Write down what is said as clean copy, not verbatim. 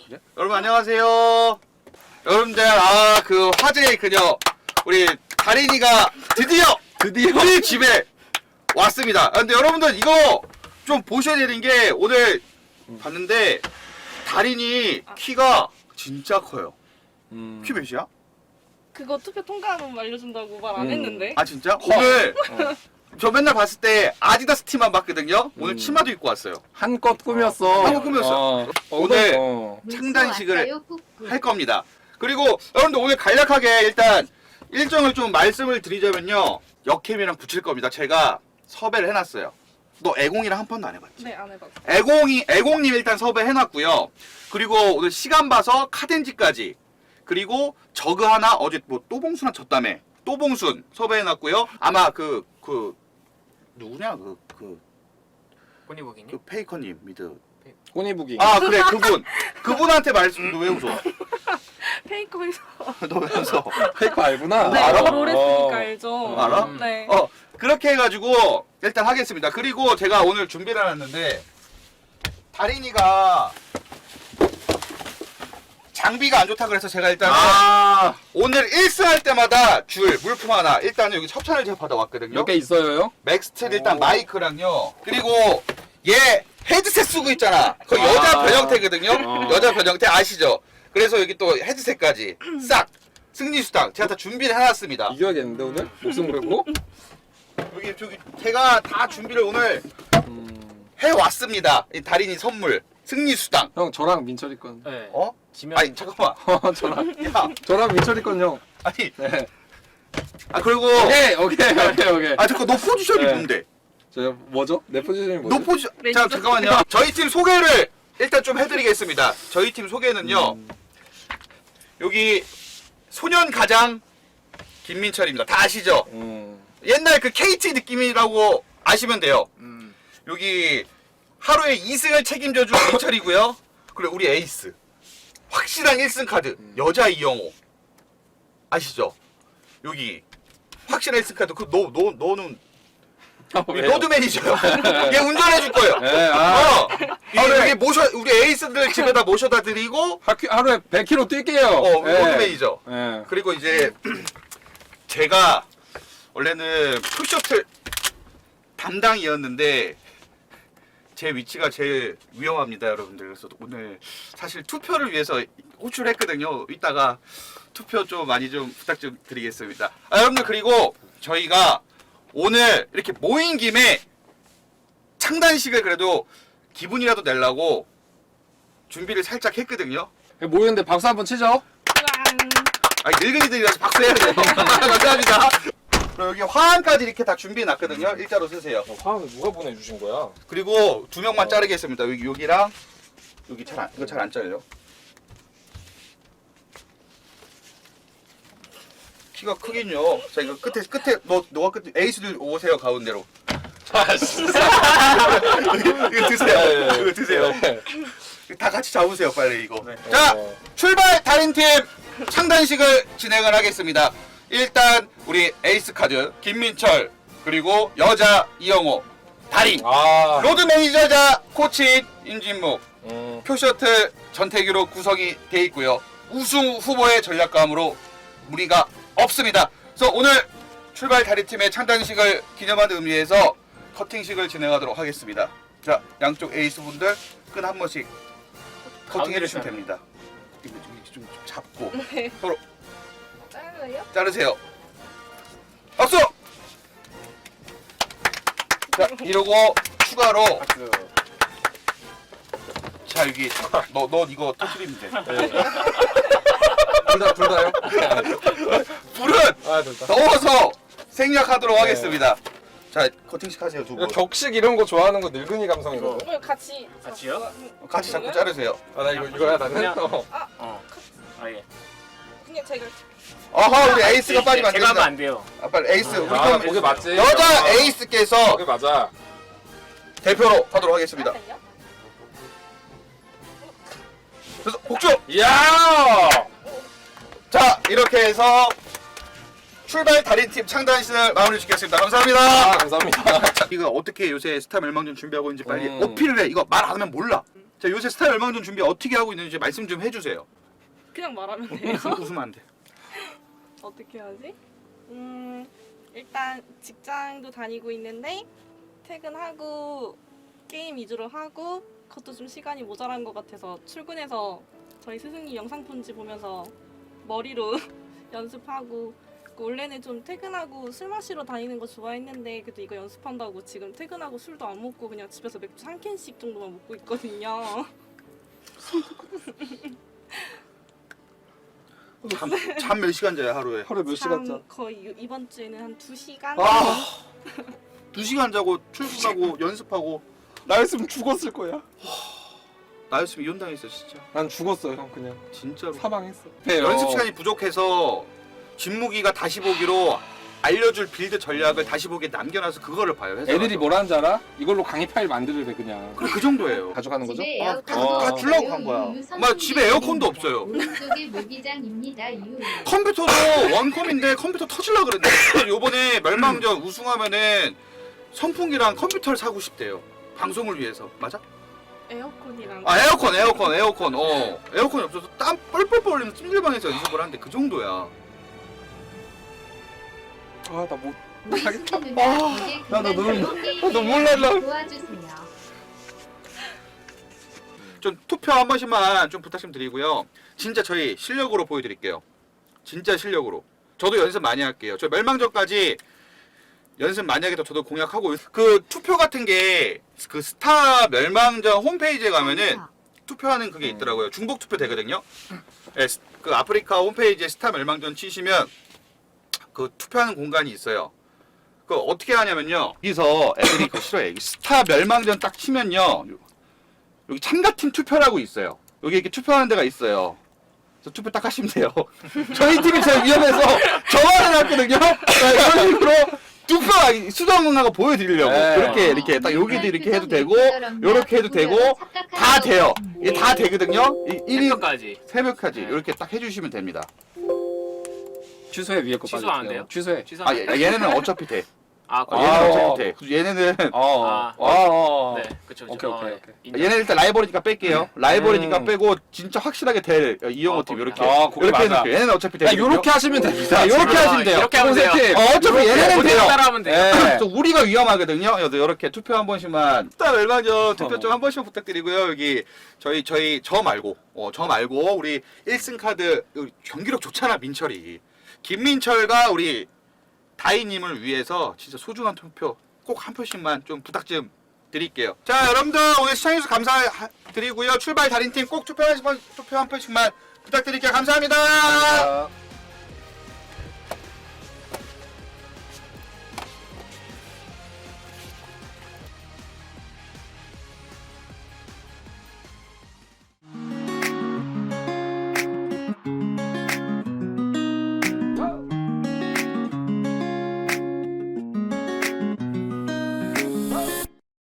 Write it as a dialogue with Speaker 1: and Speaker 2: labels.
Speaker 1: 그래?
Speaker 2: 여러분 안녕하세요. 여러분들 그 화제의 그녀 우리 다린이가 드디어 우리 집에 왔습니다. 근데 여러분들 이거 좀 보셔야 되는 게 오늘 봤는데 다린이 키가 진짜 커요. 키 몇이야?
Speaker 3: 그거 투표 통과하면 알려준다고 말 안 했는데.
Speaker 2: 아 진짜? 오늘 저 맨날 봤을 때 아디다스 티만 봤거든요. 오늘 치마도 입고 왔어요.
Speaker 1: 한껏 꾸몄어.
Speaker 2: 한껏 꾸몄어. 오늘 창단식을 할 겁니다. 그리고 여러분들 오늘 간략하게 일단 일정을 좀 말씀을 드리자면요. 역캠이랑 붙일 겁니다. 제가 섭외를 해놨어요. 너 애공이랑 한 번도 안 해봤지?
Speaker 3: 네, 안 해봤어.
Speaker 2: 애공님 일단 섭외해놨고요. 그리고 오늘 시간 봐서 카덴지까지. 그리고 저그 하나 어제 뭐 또봉순한 졌다며. 또봉순 섭외해놨고요. 아마 누구냐
Speaker 4: 꼬니보기님?
Speaker 2: 그 페이커님 미드.
Speaker 1: 꼬니부기.
Speaker 2: 아 그래 그분한테 말씀. 너 왜 웃어?
Speaker 3: 페이커에서.
Speaker 2: 너 왜 웃어?
Speaker 1: 페이커 알구나.
Speaker 3: 네,
Speaker 2: 알아?
Speaker 3: 롤 했으니까 알죠.
Speaker 2: 알아?
Speaker 3: 네.
Speaker 2: 그렇게 해가지고 일단 하겠습니다. 그리고 제가 오늘 준비를 해놨는데 다린이가 장비가 안 좋다 그래서 제가 일단 오늘 1승 할 때마다 줄 물품 하나 일단은 여기 협찬을 제가 받아왔거든요.
Speaker 1: 몇 개 있어요?
Speaker 2: 맥스텔 일단 마이크랑요. 그리고 얘 헤드셋 쓰고 있잖아. 그 여자 변형태거든요. 여자 변형태 아시죠? 그래서 여기 또 헤드셋까지 싹 승리수당 제가 다 준비를 해놨습니다.
Speaker 1: 이겨야겠는데 오늘? 목숨 걸고?
Speaker 2: 여기 제가 다 준비를 오늘 해왔습니다. 이 다린이 선물 승리수당.
Speaker 1: 형 저랑 민철이 건.
Speaker 4: 네.
Speaker 2: 어?
Speaker 4: 지면
Speaker 2: 아니 잠깐만.
Speaker 1: 저랑 민철이 건 형.
Speaker 2: 아니
Speaker 1: 네.
Speaker 2: 그리고
Speaker 1: 오케이.
Speaker 2: 잠깐 너 포지션이
Speaker 1: 네.
Speaker 2: 뭔데?
Speaker 1: 저 뭐죠? 내 포지션이 뭐죠?
Speaker 2: 너 포지션
Speaker 3: 매니저.
Speaker 2: 잠깐만요. 저희 팀 소개를 일단 좀 해드리겠습니다. 저희 팀 소개는요. 여기 소년 가장 김민철입니다. 다 아시죠? 옛날 그 KT 느낌이라고 아시면 돼요. 여기 하루에 2승을 책임져준 민철이고요. 그리고 우리 에이스 확실한 1승 카드 여자 이영호 아시죠? 여기 확실한 1승 카드. 너는 우리 로드 매니저요. 얘 운전해 줄 거예요.
Speaker 1: 네,
Speaker 2: 여기 우리 에이스들 집에다 모셔다 드리고
Speaker 1: 하루에 100km 뛸게요.
Speaker 2: 로드 매니저.
Speaker 1: 네.
Speaker 2: 그리고 이제 제가 원래는 푸셔틀 담당이었는데 제 위치가 제일 위험합니다, 여러분들. 그래서 오늘 사실 투표를 위해서 호출했거든요. 이따가 투표 좀 많이 좀 부탁 좀 드리겠습니다. 여러분들 그리고 저희가 오늘 이렇게 모인 김에 창단식을 그래도 기분이라도 내려고 준비를 살짝 했거든요.
Speaker 1: 모였는데 박수 한번 치죠.
Speaker 2: 아니 늙은이들이라서 박수해야 돼요. 감사합니다. 그리고 여기 화환까지 이렇게 다 준비해놨거든요. 일자로 쓰세요.
Speaker 1: 화음을 누가 보내주신 거야?
Speaker 2: 그리고 2명만 자르겠습니다. 여기랑 여기 이거 잘 안 잘려요. 키가 크긴요. 자 이거 끝에 너가 끝에 에이스들 오세요 가운데로. 이거 드세요. 이거 드세요. 다 같이 잡으세요 빨리 이거. 자 출발 달인팀 창단식을 진행을 하겠습니다. 일단 우리 에이스 카드 김민철 그리고 여자 이영호 달인 로드 매니저자 코치 임진묵 표셔틀 전태기로 구성이 돼 있고요. 우승 후보의 전략감으로 무리가 없습니다. 그래서 오늘 출발 달인팀의 창단식을 기념하는 의미에서 커팅식을 진행하도록 하겠습니다. 자 양쪽 에이스 분들 끈 한 번씩 커팅해 주시면 됩니다. 이거 좀 잡고 서로
Speaker 3: 잘라요?
Speaker 2: 자르세요. 박수! 자 이러고 추가로 자 여기 너 이거 터트리면 돼.
Speaker 1: 둘 다요?
Speaker 2: 불은 넣어서 생략하도록
Speaker 1: 네.
Speaker 2: 하겠습니다. 자 커팅식 하세요 두 분.
Speaker 1: 격식 이런 거 좋아하는 거 늙은이 감성이거든.
Speaker 3: 그럼 같이.
Speaker 4: 같이요?
Speaker 2: 같이 자꾸 자르세요.
Speaker 1: 나 이거야 나는.
Speaker 4: 그냥- 예.
Speaker 3: 그냥 제가.
Speaker 2: 아하 우리 에이스가 빠지면 안
Speaker 4: 제가 하면
Speaker 2: 된다.
Speaker 4: 안 돼요.
Speaker 2: 빨리 에이스 우리
Speaker 1: 거기 맞지?
Speaker 2: 여자 에이스께서
Speaker 1: 거기 맞아.
Speaker 2: 대표로 하도록 하겠습니다. 그래서 복주!
Speaker 1: 이야!
Speaker 2: 자 이렇게 해서 출발 달인팀 창단식을 마무리 짓겠습니다. 감사합니다.
Speaker 1: 감사합니다.
Speaker 2: 이거 어떻게 요새 스타 멸망전 준비하고 있는지 빨리 어필을 해. 이거 말 안 하면 몰라. 자, 요새 스타 멸망전 준비 어떻게 하고 있는지 말씀 좀 해주세요.
Speaker 3: 그냥 말하면 돼요.
Speaker 2: 웃으면 안 돼.
Speaker 3: 어떻게 하지? 일단 직장도 다니고 있는데 퇴근하고 게임 위주로 하고 그것도 좀 시간이 모자란 것 같아서 출근해서 저희 스승님 영상 편지 보면서 머리로 연습하고 원래는 좀 퇴근하고 술 마시러 다니는 거 좋아했는데 그래도 이거 연습한다고 지금 퇴근하고 술도 안 먹고 그냥 집에서 맥주 한 캔씩 정도만 먹고 있거든요.
Speaker 2: 잠 몇 시간 자요 하루에?
Speaker 1: 하루에 몇 시간 자?
Speaker 3: 거의 이번 주에는 한 2시간?
Speaker 2: 아, 2시간 자고 출근하고 연습하고.
Speaker 1: 나였으면 죽었을 거야.
Speaker 2: 나였으면 이혼당했어 진짜.
Speaker 1: 난 죽었어 형 그냥.
Speaker 2: 진짜로.
Speaker 1: 사망했어.
Speaker 2: 연습 시간이 부족해서 진무기가 다시 보기로 알려줄 빌드 전략을 다시 보기에 남겨놔서 그거를 봐요. 회사
Speaker 1: 애들이
Speaker 2: 가서.
Speaker 1: 뭘 하는 줄 알아? 이걸로 강의 파일 만들래 그냥.
Speaker 2: 그래, 그 정도예요.
Speaker 1: 가져가는 거죠?
Speaker 5: 집에
Speaker 2: 아,
Speaker 5: 에어컨도
Speaker 2: 다 주려고
Speaker 5: 없어요.
Speaker 2: 한 거야.
Speaker 5: 유유
Speaker 2: 엄마 집에 에어컨도 없어요.
Speaker 5: 오른쪽에 모기장입니다. 유유.
Speaker 2: 컴퓨터도 원컴인데 컴퓨터 터질라 그랬는데 요번에 멸망전 우승하면은 선풍기랑 컴퓨터를 사고 싶대요. 방송을 위해서. 맞아?
Speaker 3: 에어컨이랑
Speaker 2: 아 에어컨. 에어컨이 없어서 땀 뻘뻘 흘리면서 찜질방에서 연습을 하는데 그 정도야.
Speaker 1: 아 나 못.
Speaker 5: 루이스키 누나 이게
Speaker 1: 나 눈물
Speaker 5: 그만
Speaker 1: 눈물 날라.
Speaker 5: 도와주세요.
Speaker 2: 좀 투표 한 번씩만 좀 부탁 좀 드리고요. 진짜 저희 실력으로 보여드릴게요. 진짜 실력으로. 저도 연습 많이 할게요. 저 멸망전까지 연습 많이 하겠다 저도 공약하고 그 투표 같은 게 그 스타 멸망전 홈페이지에 가면은 투표하는 그게 있더라고요. 중복 투표 되거든요. 네, 그 아프리카 홈페이지에 스타 멸망전 치시면 그 투표하는 공간이 있어요. 그 어떻게 하냐면요. 여기서 애들이 그거 싫어해. 여기 스타 멸망전 딱 치면요. 여기 참가팀 투표라고 있어요. 여기 이렇게 투표하는 데가 있어요. 그래서 투표 딱 하시면 돼요. 저희 팀이 제일 위험해서 저만 해놨거든요. 이런 식으로 투표 수정하고 보여드리려고.
Speaker 1: 네.
Speaker 2: 이렇게 딱 여기도 이렇게 해도 되고, 요렇게 해도 되고, 다 돼요. 이게 다 되거든요. 1위
Speaker 4: 새벽까지.
Speaker 2: 새벽까지
Speaker 4: 네.
Speaker 2: 이렇게 딱 해주시면 됩니다.
Speaker 1: 취소해 위에 거
Speaker 4: 취소
Speaker 1: 빨리.
Speaker 4: 안 돼요?
Speaker 1: 취소해.
Speaker 2: 아, 얘네는 어차피 돼.
Speaker 4: 아,
Speaker 2: 얘네는
Speaker 1: 아.
Speaker 2: 어차피 돼. 얘네는
Speaker 4: 네, 그쵸.
Speaker 1: 오케이, 오케이, 오케이.
Speaker 2: 얘네 일단 라이벌이니까 뺄게요. 라이벌이니까 빼고 진짜 확실하게 될 이영호 팀
Speaker 4: 거기다.
Speaker 2: 이렇게.
Speaker 1: 그게
Speaker 2: 이렇게
Speaker 1: 맞아.
Speaker 2: 해놓을게요. 얘네는 어차피 돼.
Speaker 1: 야 요렇게 하시면 됩니다.
Speaker 2: 자, 요렇게 하시면 돼요.
Speaker 4: 이렇게 하면 돼요.
Speaker 1: 팀.
Speaker 2: 어차피 얘네는
Speaker 4: 그대로
Speaker 2: 돼요.
Speaker 4: 따라하면 돼요.
Speaker 1: 네.
Speaker 2: 또 우리가 위험하거든요. 이렇게 투표 한 번씩만. 일단 멸망전 투표 좀 한 번씩 부탁드리고요. 여기 저 말고 우리 1승 카드 경기력 좋잖아 민철이. 김민철과 우리 다희님을 위해서 진짜 소중한 투표 꼭 한 표씩만 좀 부탁 좀 드릴게요. 자 여러분들 오늘 시청해주셔서 감사드리고요. 출발 달인팀 꼭 투표 한 표씩만 부탁드릴게요. 감사합니다.